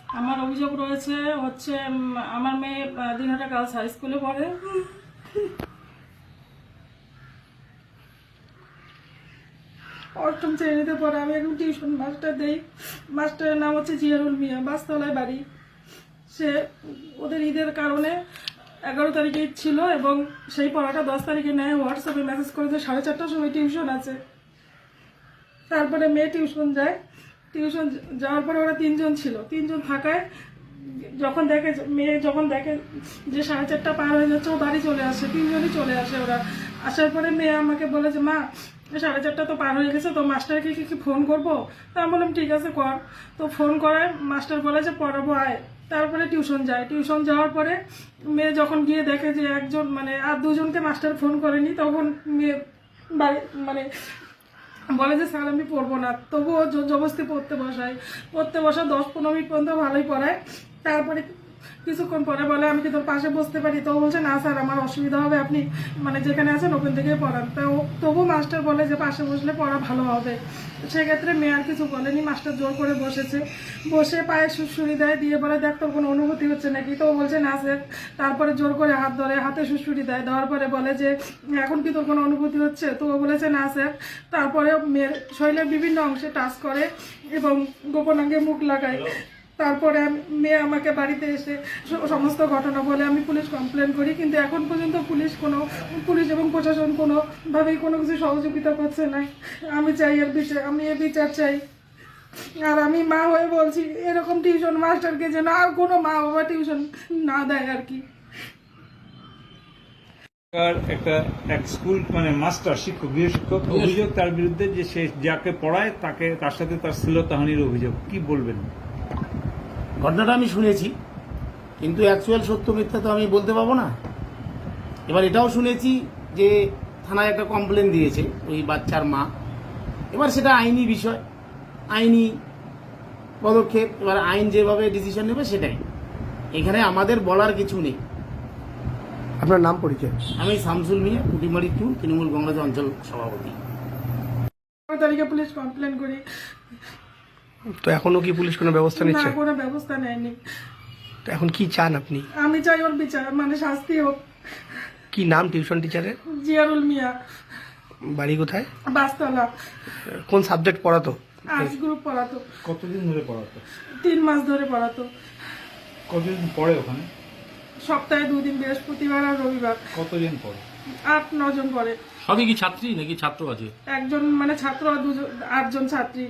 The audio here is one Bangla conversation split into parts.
আমার অভিযোগ রয়েছে হচ্ছে আমার মেয়ে দিনহাটা গার্লস হাই স্কুলে পড়ে। অষ্টম শ্রেণীতে পড়ে। আমি এখন টিউশন মাস্টার দেই। মাস্টারের নাম হচ্ছে জিয়ারুল মিয়া, বাসতলায় বাড়ি। সে ওদের ঈদের কারণে 11 তারিখে ঈদ ছিল এবং সেই পড়াটা 10 তারিখে নেয়। হোয়াটসঅ্যাপে মেসেজ করেছে 4:30টার সময় টিউশন আছে। তারপরে মেয়ে টিউশন যায়। টিউশন যাওয়ার পরে ওরা 3জন ছিল। 3জন থাকায় মেয়ে যখন দেখে যে 4:30 পার হয়ে যাচ্ছে, ও বাড়ি চলে আসে। 3জনই চলে আসে। ওরা আসার পরে মেয়ে আমাকে বলে যে মা 4:30 তো পার হয়ে গেছে, তো মাস্টারকে কি ফোন করবো? তা আমি বললাম ঠিক আছে কর। তো ফোন করায় মাস্টার বলে যে পড়াবো আয়। তারপরে টিউশন যায়। টিউশন যাওয়ার পরে মেয়ে যখন গিয়ে দেখে যে একজন আর 2জনকে মাস্টার ফোন করেনি, তখন মেয়ে বাড়ি বলে যে স্যার আমি পড়বো না। তবুও জবরদস্তি পড়তে বসা 10-15 মিনিট পর্যন্ত ভালোই পড়ায়। তারপরে কিছুক্ষণ পরে বলে আমি কি তোর পাশে বসতে পারি? তো বলছে না স্যার আমার অসুবিধা হবে, আপনি যেখানে আছেন ওখান থেকেই পড়ান। তো তবু মাস্টার বলে যে পাশে বসলে পড়া ভালো হবে। সেক্ষেত্রে মেয়ে আর কিছু বলেনি। মাস্টার জোর করে বসে পায়ে সুড়সুড়ি দেয়, দিয়ে বলে দেখ তোর কোনো অনুভূতি হচ্ছে নাকি? তো বলছে না স্যার। তারপরে জোর করে হাত ধরে, হাতে সুড়সুড়ি দেয়। দেওয়ার পরে বলে যে এখন কি তোর কোনো অনুভূতি হচ্ছে? তো ও বলেছে না স্যার। তারপরে মেয়ের শরীরের বিভিন্ন অংশে টাচ করে এবং গোপনাঙ্গে মুখ লাগায়। তারপরে মেয়ে আমাকে বাড়িতে এসে সমস্ত ঘটনা বলে। আমি পুলিশ কমপ্লেন করি, কিন্তু এখন পর্যন্ত পুলিশ এবং প্রশাসন কোনোভাবেই কোনো কিছু সহযোগিতা করছে না। আমি চাই আমি এর বিচার চাই। আর আমি মা হয়ে বলছি এরকম টিউশন মাস্টারকে যেন আর কোনো মা বাবা টিউশন না দেয় আর কি। এক স্কুল মাস্টার শিক্ষক গৃহশিক্ষক অভিযোগ তার বিরুদ্ধে যে সে যাকে পড়ায় তার সাথে তার শ্লীলতাহানির অভিযোগ, কি বলবেন? ঘটনাটা আমি শুনেছি, কিন্তু অ্যাকচুয়াল সত্য মিথ্যা তো আমি বলতে পারবো না। এবার এটাও শুনেছি যে থানায় একটা কমপ্লেন দিয়েছে ওই বাচ্চার মা। এবার সেটা আইনি বিষয়, আইনি পদক্ষেপ। এবার আইন যেভাবে ডিসিশন নেবে সেটাই, এখানে আমাদের বলার কিছু নেই। আপনার নাম পরিচয়? আমি শামসুল মিয়া, কুটিমারি 2 তৃণমূল কংগ্রেস অঞ্চল সভাপতি। 15 তারিখে পুলিশ কমপ্লেন করি। তো এখনো কি পুলিশ কোনো ব্যবস্থা নিচ্ছে? না, কোনো ব্যবস্থা নেয়নি। তো এখন কি চান আপনি? আমি চাই ওর বিচার, শাস্তি হোক। কি নাম টিউশন টিচারের? জিয়ারুল মিয়া। বাড়ি কোথায়? বাসতলা। কোন সাবজেক্ট পড়াতো? আর্টস গ্রুপ পড়াতো। কতদিন ধরে পড়াতো? 3 মাস ধরে পড়াতো। কতদিন পড়ে ওখানে? সপ্তাহে 2 দিন, বৃহস্পতিবার আর রবিবার। কতজন পড়ে? 8-9 জন পড়ে। সবই কি ছাত্রী নাকি ছাত্র আছে? একজন ছাত্র আর 8জন ছাত্রী।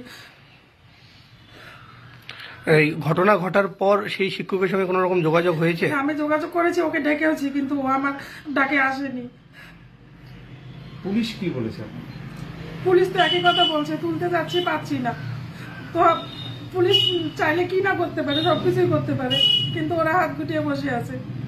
এই ঘটনা ঘটার পর সেই শিক্ষকের সঙ্গে কোনো রকম যোগাযোগ হয়েছে? আমি যোগাযোগ করেছি, ওকে ডেকেওছি, কিন্তু ও আমার ডাকে আসেনি। পুলিশ কি বলেছে আপনি? পুলিশ তো একই কথা বলছে, তুলতে যাচ্ছি পাচ্ছি না। তো পুলিশ চাইলে কি না করতে পারে, সবকিছুই করতে পারে, কিন্তু ওরা হাত গুটিয়ে বসে আছে।